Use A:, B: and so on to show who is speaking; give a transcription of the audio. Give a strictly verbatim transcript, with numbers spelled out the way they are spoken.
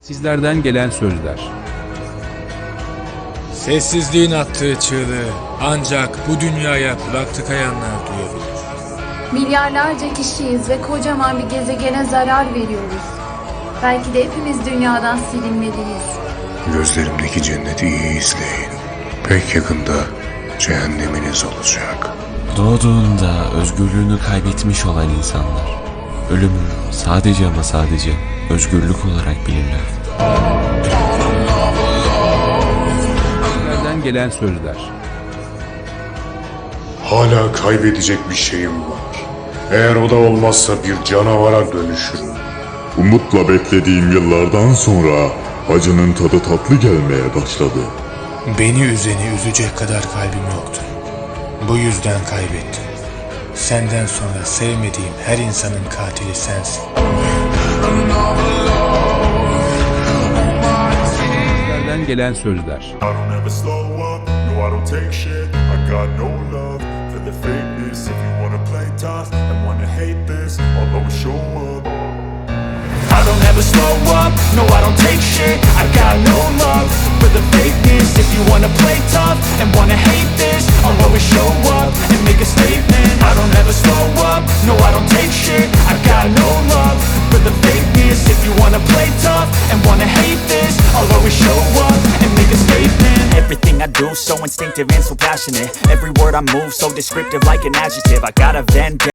A: Sizlerden gelen sözler.
B: Sessizliğin attığı çığlığı ancak bu dünyaya kulak tıkayanlar duyabilir.
C: Milyarlarca kişiyiz ve kocaman bir gezegene zarar veriyoruz. Belki de hepimiz dünyadan silinmeliyiz.
D: Gözlerimdeki cenneti iyi izleyin. Pek yakında cehenneminiz olacak.
E: Doğduğunda özgürlüğünü kaybetmiş olan insanlar, ölümü sadece ama sadece özgürlük olarak bilirler.
A: Sizlerden gelen sözler.
D: Hala kaybedecek bir şeyim var. Eğer o da olmazsa bir canavara dönüşürüm.
F: Umutla beklediğim yıllardan sonra acının tadı tatlı gelmeye başladı.
B: Beni üzeni üzecek kadar kalbim yoktu. Bu yüzden kaybettim. Senden sonra sevmediğim her insanın katili sensin.
A: Sizlerden gelen sözler.
G: I don't ever slow up, no I don't take shit. I got no love for the fakeness. If you wanna play tough and wanna hate this, I'll always show up. I don't ever slow up, no I don't take shit. I got no love for the fakeness. If you wanna play tough and wanna hate this, I'll always show up and make a statement. I don't ever slow up, no I don't take shit. I got no love for the fakeness. If you wanna play tough and wanna hate this, I'll always show up and make a statement.
H: Everything I do so instinctive and so passionate. Every word I move so descriptive like an adjective. I got a vendetta.